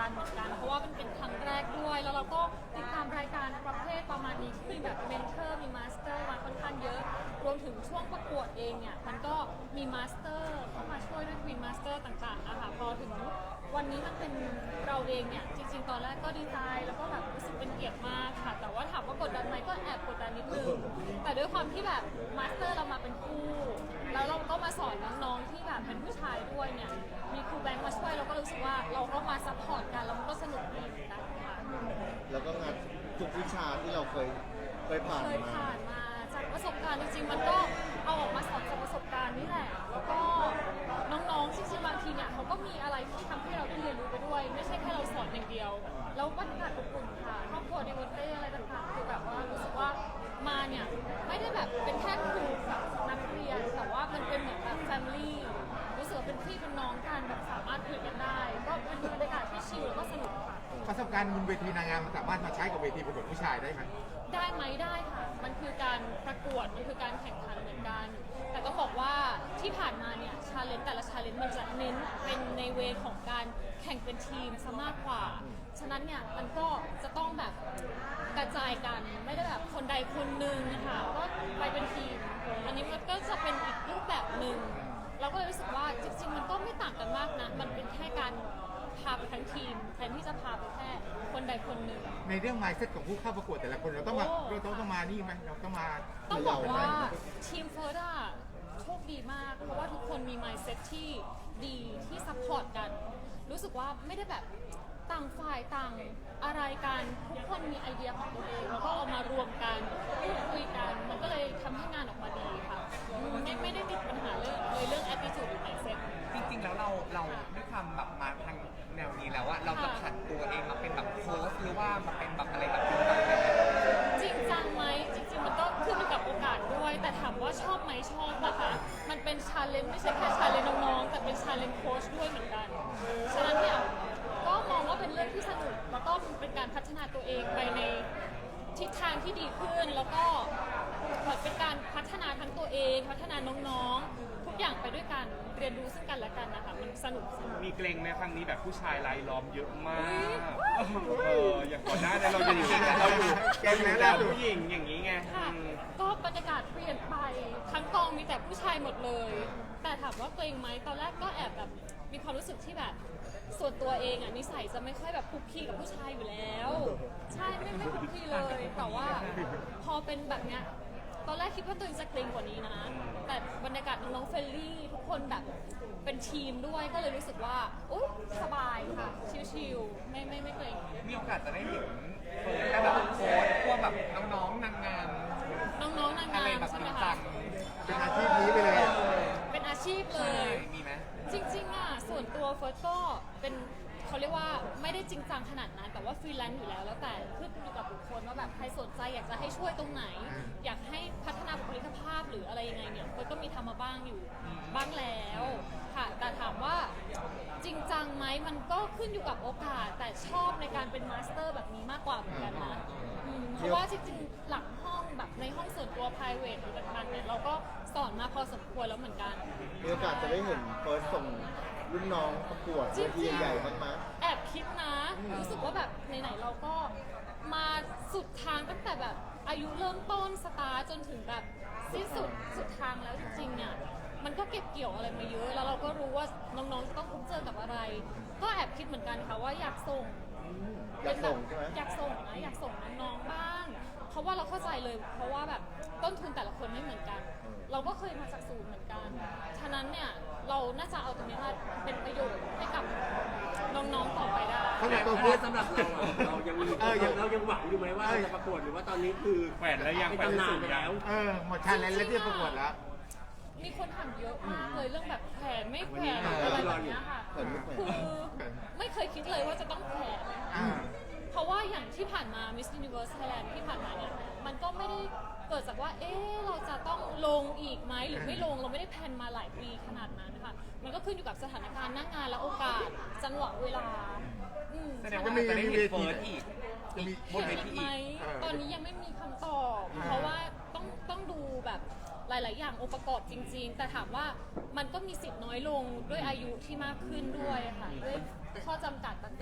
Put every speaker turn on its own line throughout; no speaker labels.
การณ์เหมือนกันเพราะว่ามันเป็นครั้งแรกด้วยแล้วเราก็ติดตามรายการประเภทประมาณนี้ที่มีแบบเมนเทอร์มีมาสเตอร์มาค่อนข้างเยอะรวมถึงช่วงประกวดเองเนี่ยมันก็มีมาสเตอร์เข้ามาช่วยด้วยควีนมาสเตอร์ต่างๆนะคะพอถึงวันนี้มันเป็นเราเองเนี่ยจริงๆตอนแรกก็ดีใจแล้วก็แบบรู้สึกเป็นเกียรติมากค่ะแต่ว่าถามว่ากดดันไหมก็แอบกดดันนิดนึงแต่ด้วยความที่แบบมาสเตอร์เรามาเป็นคู่แล้วเราก็มาสอนน้องๆที่แบบเป็นผู้ชายด้วยเนี่ยมีครูแบงค์มาช่วยเราก็รู้สึกว่าเราก็มาซัพพอร์ตกันแล้วมันก็สนุกดีเหมือนกันค่ะ
แล้วก็งานทุกวิชาที่เราเคยผ่าน
เคย
มา
ผ่านมาจากประสบการณ์จริงๆมันก็เอาออกมาสอนจากประสบการณ์นี่แหละแล้วก็น้องๆจริงๆบางทีเนี่ยเขาก็มีอะไรที่ทำให้เราได้เรียนรู้ไปด้วยไม่ใช่แค่เราสอนอย่างเดียวแล้วบรรยากาศอบอุ่นค่ะครอบครัวในวันเต้อะไรต่างๆคือแบบว่ารู้สึกว่ามาเนี่ยไม่ได้แบบเป็นแค่ครูกับนักเรียนแต่ว่ามันเป็นเหมือนแบบแฟมิลี่รู้สึกว่าเป็นพี่เป็นน้องกันแบบสามารถคุยกันได้ก็เป็นบรรยากาศที่ชิลแล้วก็สนุกค่ะ
ประสบการณ์บนเวทีนางงามมันสามารถมาใช้กับเวทีประกวดผู้ชายได้ไหม
ได้ไหมได้ค่ะ มันคือการประกวด มันคือการแข่งขันเหมือนกัน แต่ต้องบอกว่าที่ผ่านมาเนี่ยชาเลนจ์แต่ละชาเลนจ์มันจะเน้นเป็นในเวของการแข่งเป็นทีมซะมากกว่า ฉะนั้นเนี่ยมันก็จะต้องแบบกระจายกัน ไม่ได้แบบคนใดคนหนึ่งนะคะก็ไปเป็นทีม อันนี้มันก็จะเป็นอีกรูปแบบหนึ่ง เราก็เลยรู้สึกว่าจริงๆมันก็ไม่ต่างกันมากนะ มันเป็นแค่การพาไปทั้งทีมแทนที่จะพาไปแค่คนใดคนหนึ่ง
ในเรื่อง mindset ของผู้เข้าประกวดแต่ละคนเราต้องมานี่ไหมเราต้องมา
ต้องบอกว่าทีมเฟิร์สอะโชคดีมาก เพราะว่าทุกคนมี mindset ที่ดีที่ซัพพอร์ตกัน รู้สึกว่าไม่ได้แบบต่างฝ่ายต่างอะไรกัน ทุกคนมีไอเดียของตัวเอง แล้วก็เอามารวมกันพูดคุยกัน มันก็เลยทำให้งานออกมาดีค่ะไม่ได้ติดปัญหาเรื่อง attitude หรือ mindset
จริงๆแล้วเราด้วยความแบบมาทางแนวนี้แล้วอะเราจะผันตัวเองมาเป็นแบบโค้ชหรือว่ามาเป็นแบบอะไรแบบจริงจังเลยไหม
จริงจังไหมจริงๆมันก็ขึ้นอยู่กับโอกาสด้วย แต่ถามว่าชอบไหมชอบนะคะมันเป็นชาเลนจ์ไม่ใช่แค่ชาเลนจ์น้องๆแต่เป็นชาเลนจ์โค้ชด้วยเหมือนกันฉะนั้นเนี่ยก็มองว่าเป็นเรื่องที่สนุกแล้วก็เป็นการพัฒนาตัวเองไปในทิศทางที่ดีขึ้นแล้วก็เหมือนเป็นการพัฒนาทั้งตัวเองพัฒนาน้องๆทุกอย่างไปด้วยกันเรียนรู้ซึ่งกันและกันนะคะมันสนุก
มีเกรงไหมครั้งนี้แบบผู้ชายรายล้อมเยอะมาก
อุ๊ย
อย่างก่อนหน้านี้เราอยู่เราอยู่
แกงแล้ว
เราผู้หญิงอย่างนี้ไง
ค่ะก็บรรยากาศเปลี่ยนไปทั้งกองมีแต่ผู้ชายหมดเลย แต่ถามว่าเกรงไหมตอนแรกก็แอบแบบมีความรู้สึกที่แบบส่วนตัวเองอ่ะนิสัยจะไม่ค่อยแบบคุกคีกับผู้ชายอยู่แล้ว ใช่ไม่คุกคีเลย แต่ว่าพอเป็นแบบเนี้ยตอนแรกคิดว่าตัวเองจะเกรงกว่านี้นะ แต่บรรยากาศน้องๆเฟรนลี่ทุกคนแบบเป็นทีมด้วยก็เลยรู้สึกว่าอุ๊ยสบายค่ะชิลๆไม่เกรง
มีโอกาสจะได้เห็นเฟิร์สได้แบบโค้ชพวกแบบน้องๆนางงาม
น้องๆนาง
อะ
งา
ไร
ม
แบบ
ใช่
จ
ไหม
ริง
คะ
จัง
เป็นอาชีพนี้ไปเลยอะ
เป็นอาชีพเล
ใช่
ย
มีไหม
จริงๆอ่ะส่วนตัวเฟิร์สก็เป็นเขาเรียกว่าไม่ได้จริงจังขนาดนั้นแต่ว่าฟรีแลนซ์อยู่แล้วแต่ขึ้นอยู่กับบุคคลว่าแบบใครสนใจอยากจะให้ช่วยตรงไหน อยากให้พัฒนาบุคลิกภาพหรืออะไรยังไงเนี่ยเฟิร์สก็มีทำมาบ้างอยู่บ้างแล้วค่ะแต่ถามว่าจริงจังไหมมันก็ขึ้นอยู่กับโอกาส แต่ชอบในการเป็นมาสเตอร์แบบนี้มากกว่าเหมือนกันนะเพราะว่าจริงๆหลังห้องแบบในห้องส่วนตัว private หรือต่างๆเนี่ยเราก็สอนมาพอสมควรแล้วเหมือนกัน
มีโอกาสจะได้เห็นเฟิร์สส่งรุ่นน้องประกวดเวทีใหญ่ๆบ้างไหม
แอบคิดนะ รู้สึกว่าแบบไหนๆเราก็มาสุดทางตั้งแต่แบบอายุเริ่มต้นสตาร์ทจนถึงแบบสิ้นสุดทางแล้วจริงๆเนี่ยมันก็เก็บเกี่ยวอะไรมาเยอะ แล้วเราก็รู้ว่าน้องๆจะต้องพบเจอกับอะไร ก็แอบคิดเหมือนกันค่ะว่าอยากส่ง
อยากส่งใช่ไหม
อยากส่งนะอยากส่งน้องๆบ้าง เพราะว่าเราเข้าใจเลย เพราะว่าแบบต้นทุนแต่ละคนไม่เหมือนกัน เราก็เคยมาจากศูนย์เหมือนกัน ฉะนั้นเนี่ยเราน่าจะเอาตรงนี้มาเป็นประโยชน์ให้กับน้องๆต่อไปได้
เขาอยาก
ตั
ตัว ว
เพื่
เพื่
อ
อน
สำหรับเราอะเรายังมีเรายังหวังอยู่ไหมว่าเราจะประกวดหรือว่าตอนนี้คือ
แขวนแล้วยัง
เป็น
แขวน
ตำนาน
สูง
ไป
ยั
แล้
ง
ว
หมดชาเลนจ์แล้วที่จะประกวดแล้ว
มีคนถามเยอะมากเลยเรื่องแบบแผนไม่แผนอะไรแบบเนี้ยค่ะ
แผนไม่แผน
คือไม่เคยคิดเลยว่าจะต้องแผน เพราะว่าอย่างที่ผ่านมา Miss Universe Thailand ที่ผ่านมาเนี่ยมันก็ไม่ได้เกิดจากว่าเราจะต้องลงอีกไหมหรือไม่ลงเราไม่ได้แพลนมาหลายปีขนาดนั้นนะคะมันก็ขึ้นอยู่กับสถานการณ์หน้างานและโอกาสจังหวะเวลา
แสดงว่าจะได้เห็นเฟิร์สอีก
จะมี
บนเวที
ไหม
อีก
ตอนนี้ยังไม่มีคำตอบ เพราะว่าต้องดูแบบหลาย ๆ อย่างองค์ประกอบจริง ๆ แต่ถามว่ามันก็มีสิทธิ์น้อยลงด้วยอายุที่มากขึ้นด้วยค่ะด้วยข้อจำกัดต่างๆ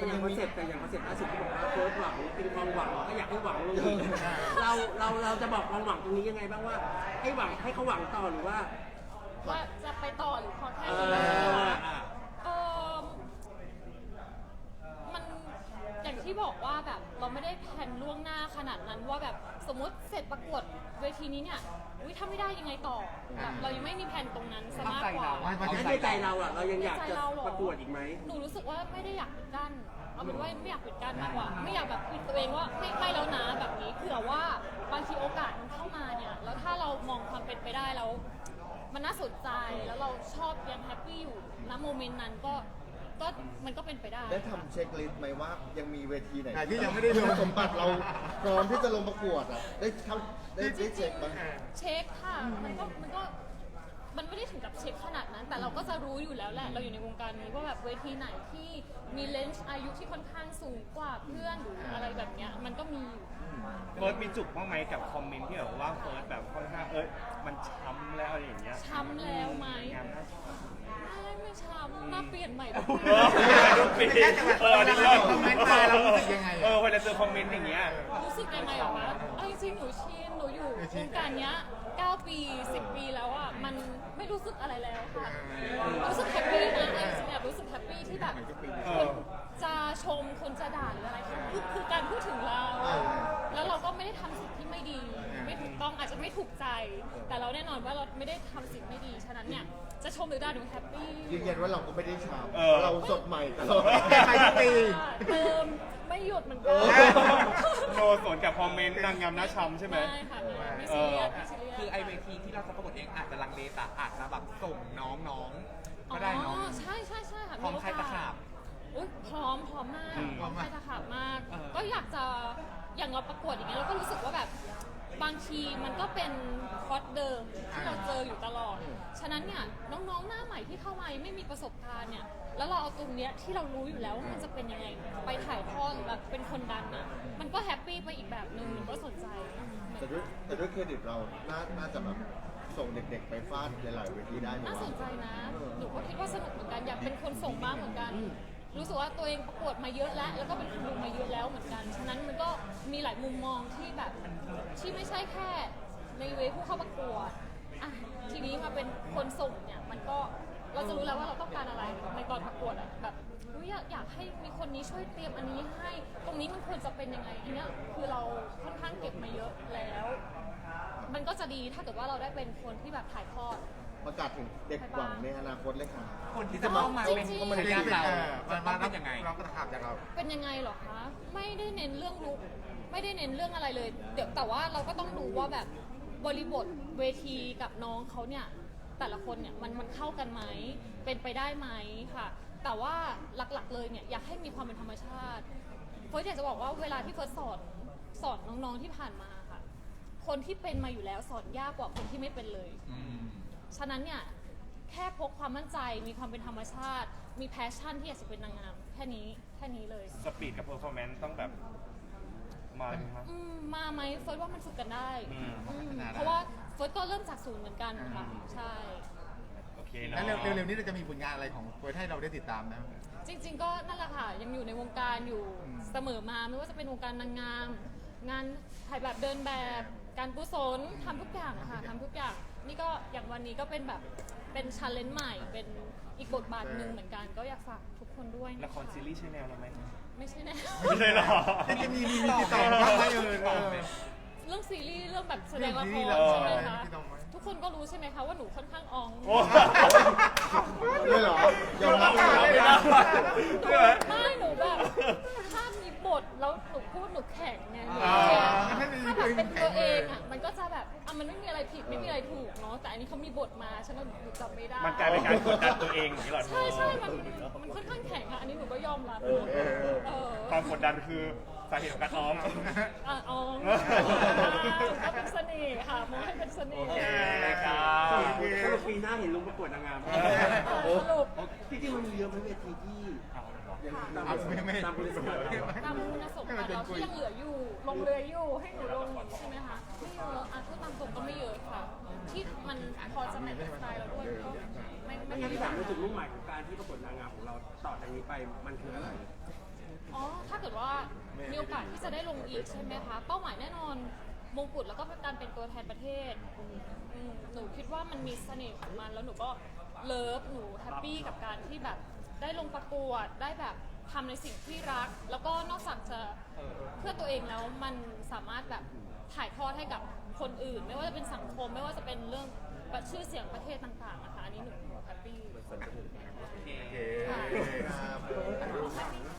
แต่อย่างคอนเซ็ปต์ล่าสุดที่บอกว่าเฟิร์สหวังเป็นความหวังก็อยากให้หวังลงอีกเราจะบอกความหวังตรงนี้ยังไงบ้างว่าให้หวังให้เขาหวังต่อหรือว่า
ว่าจะไปต่อหรือพอแค่
เอ
นี้
อ
เออมันอย่างที่บอกว่าแบบเราไม่ได้แพลนล่วงหน้าขนาดนั้นว่าแบบสมมติเสร็จประกวดเวทีนี้เนี่ยอุ๊ยถ้าไม่ได้ยังไงต่อแบบเรายังไม่มีแผนตรงนั้นซะมากกว่า
แล้วในใจเราอ่ะเรายังอยากจะประกวดอีกไหม
หนูรู้สึกว่าไม่ได้อยากปิดกั้นเอาเป็นว่าไม่อยากปิดกั้นมากกว่า ไม่อยากแบบปิดตัวเองว่าไม่แล้วนะแบบนี้เผื่อว่าบางทีโอกาสมันเข้ามาเนี่ยแล้วถ้าเรามองความเป็นไปได้แล้วมันน่าสนใจแล้วเราชอบยังแฮปปี้อยู่ณโมเมนต์นั้นก็มันก็เป็นไปได้
ได้ทำเช็คลิสต์ไหมว่ายังมีเวทีไหน
ที่ยังไม่ได้ลง
คุณสมบัติเราพร้อมที่จะลงประกวดอ่ะได้เช็คไหม
เช็คค่ะมันไม่ได้ถึงกับเช็คขนาดนั้น แต่เราก็จะรู้อยู่แล้วแหละเราอยู่ในวงการนี้ว่าแบบเวทีไหนที่มีเลนส์อายุที่ค่อนข้างสูงกว่าเพื่อนหรืออะไรแบบเนี้ยมันก็มีอยู่
เฟิร์สมีจุกบ้างไหมกับคอมเมนต์ที่แบบว่าเฟิร์สแบบค่อนข้างมันช้ำแล้วอะไรอย่างเงี้ย
ช้ำแล้วไหม
งานน่าช้ำ
ไม่ช้ำหน้าเปลี่ยนใหม่
ปิดนี่เลิศ
คอมเมนต์มาเรารู้สึกยังไง
เวลาเจอคอมเมนต์อย่างเงี้ย
รู้สึกยังไงเหรอคะเอาจริงๆหนูชินหนูอยู่วงการเนี้ย9 ปี 10 ปีแล้วอ่ะมันไม่รู้สึกอะไรแล้วค่ะรู้สึกแฮปปี้นะจริงๆแบบรู้สึกแฮปปี้ที่แบบคนจะชมคนจะด่าหรืออะไรคือการพูดถึงเรา แล้วเราก็ไม่ได้ทำสิ่งที่ไม่ดี ไม่ถูกต้องอาจจะไม่ถูกใจ แต่เราแน่นอนว่าเราไม่ได้ทำสิ่งไม่ดีฉะนั้นเนี่ยจะชมหรือด่าหนูแฮปปี้
ยืนยันว่าเราก็ไม่ได้ช้ำ
เออ
เราสดใหม่ตลอด
ไปทุกปี
เติมไม่หยุดเหมือนกัน
โนสวนกับคอมเมนต์นางงามน่าช้ำใช่ไหม
ไม่ค่ะไม่ซีเรียสไม่ซีเรียส
คือไอเวทีที่เราจะประกวดเองอาจจะลังเลแต่อาจจะแบบส่งน้องๆก็ได้เนาะ
ใช่ค่ะ
พร้อมใครตะขาบ
อุ๊ยพร้อมมาก
อืม
พร้อมใครตะขาบมาก
เออ
ก็อยากจะอย่างเราประกวดอย่างเงี้ยเราก็รู้สึกว่าแบบบางทีมันก็เป็นคอร์สเดิมที่เราเจออยู่ตลอด ฉะนั้นเนี่ยน้องๆหน้าใหม่ที่เข้ามายังไม่มีประสบการณ์เนี่ยแล้วเราเอาตรงเนี้ยที่เรารู้อยู่แล้วว่ามันจะเป็นยังไงไปถ่ายทอดหรือแบบเป็นคนดันอ่ะมันก็แฮปปี้ไปอีกแบบนึงมันก็สนใจ
แต่ด้วยเครดิตเราน่าจะแบบส่งเด็กๆไปฟาดหลายๆเวทีได้ไหม
น่าส
วะ
นใจนะ หนูก็คิดว่าสนุกเหมือนกัน อยากเป็นคนส่งบ้างเหมือนกัน รู้สึกว่าตัวเองประกวดมาเยอะแล้วก็เป็นคนดูมาเยอะแล้วเหมือนกัน ฉะนั้นมันก็มีหลายมุมมองที่แบบที่ไม่ใช่แค่ในเวผู้เข้าประกวดอ่ะทีนี้มาเป็นคนส่งเนี่ยมันก็เราจะรู้แล้วว่าเราต้องการอะไรในตอนประกวดอ่ะแบบอุ๊ยอยากให้มีคนนี้ช่วยเตรียมอันนี้ให้ ตรงนี้มันควรจะเป็นยังไงอันเนี้ยคือเราค่อนข้างเก็บมาเยอะแล้ว มันก็จะดีถ้าเกิดว่าเราได้เป็นคนที่แบบถ่ายทอด
ประกาศถึงเด็กหวังในอนาคตเลยค่ะ
คนที่จะเข้ามาเป็น
จริงๆ
ภรรยาเรา
มา
ต้องเป็นยังไง
เราก็ตะขับจากเรา
เป็นยังไงเหรอคะ ไม่ได้เน้นเรื่องลุกไม่ได้เน้นเรื่องอะไรเลยเดี๋ยวแต่ว่าเราก็ต้องดูว่าแบบบริบทเวทีกับน้องเขาเนี่ยแต่ละคนเนี่ยมันเข้ากันไหมเป็นไปได้ไหมค่ะ แต่ว่าหลักๆเลยเนี่ยอยากให้มีความเป็นธรรมชาติเฟิร์สอยากจะบอกว่าเวลาที่เฟิร์สสอนน้องๆที่ผ่านมาค่ะ คนที่เป็นมาอยู่แล้วสอนยากกว่าคนที่ไม่เป็นเลย ฉะนั้นเนี่ยแค่พกความมั่นใจมีความเป็นธรรมชาติ มีแพชชั่นที่อยากจะเป็นนางงามแค่นี้เลย
สปีดกับเพอร์ฟอร์แมนซ์ต้องแบบมาเลยมั้ย
มาไหมเฟิร์สว่ามันฝึกกันได้
อืม
เพราะว่าเฟิร์สก็เริ่มจากศูนย์เหมือนกันค่ะใช่
โอเคเนาะ
แล้วเร็วๆนี้เราจะมีผลงานอะไรของเฟิร์สให้เราได้ติดตามนะ
จริงๆก็นั่นแหละค่ะยังอยู่ในวงการอยู่เสมอมาไม่ว่าจะเป็นวงการนางงาม งานถ่ายแบบเดินแบบการกุศลทำทุกอย่างค่ะทำทุกอย่างนี่ก็อย่างวันนี้ก็เป็นแบบเป็นชาเลนจ์ใหม่เป็นอีกบทบาทหนึ่งเหมือนกัน ก็อยากฝากทุกคนด้วย
ละครซีรีส์ใช่แนวเราไหม
ไม่ใช่แน่
ไม่ใช่หรอ
จะมีติดต่อบ้างไหม
เรื่องซีรีส์เรื่องแบบแสดงละค
เรื่องซีรีส์
ร
เหรอ
ใช่ไหมคะ
พี่ต้องไหม
ทุกคนก็รู้ใช่ไหมคะว่าหนูค่อนข้างออง
โอ้
เลยเหรอยอมรับเลยเหรอ
ไม่หนูแบบถ้ามีบทแล้วหนูพูดหนูแข็งไงหนู
อ่า
แข็งถ้าแบบเป็นตัวเองอ่ะมันก็จะแบบมันไม่มีอะไรผิดไม่มีอะไรถูกเนาะแต่อันนี้เขามีบทมาฉะนั้นหนูจำไม่ได้
มันกลายเป็นการกดดันตัวเองอย่างนี้เหรอ
ใช่มันค่อนข้างแข็งอ่ะอันนี้หนูก็ยอมรับ
ความกดดันคือสาเหตุของการอ้อม
อ๋อก็เป็นเสน่ห์ค่ะมองให้เป็นเสน่ห์
โอเคครับ
ถ้าเราปีหน้าเห็นลงประกวดนางงาม
สรุป
ที่จริงมันมีเยอะไหมเวทีที่ยังตาม
ไม่
ตามบริษัท
ตามคุณสมบัติเราที่ยังเหลืออยู่ลงเรืออยู่ให้หนูลงใช่ไหมคะไม่เยอะพูดตามตรงก็ไม่เยอะค่ะ ที่มันพอจะแมทกับสไตล์เราด้วยก็ไม่
ไม่งั้นที่ถามว่าจุดมุ่งหมายของการที่ประกวดนางงามของเราต่อจากนี้ไปมันคืออะไร
เกิดว่ามีโอกาสที่จะได้ลงอีกใช่ไหมคะเป้าหมายแน่นอนมงกุฎแล้วก็การเป็นตัวแทนประเทศหนูคิดว่ามันมีเสน่ห์ของมันแล้วหนูก็เลิฟหนูแฮปปี้กับการที่แบบได้ลงประกวดได้แบบทำในสิ่งที่รัก แล้วก็นอกจากจะเพื่อตัวเองแล้วมันสามารถแบบถ่ายทอดให้กับคนอื่น ไม่ว่าจะเป็นสังคมไม่ว่าจะเป็นเรื่องชื่อเสียงประเทศต่างๆนะคะอันนี้หนูแฮปปี้
โอเค
ครับ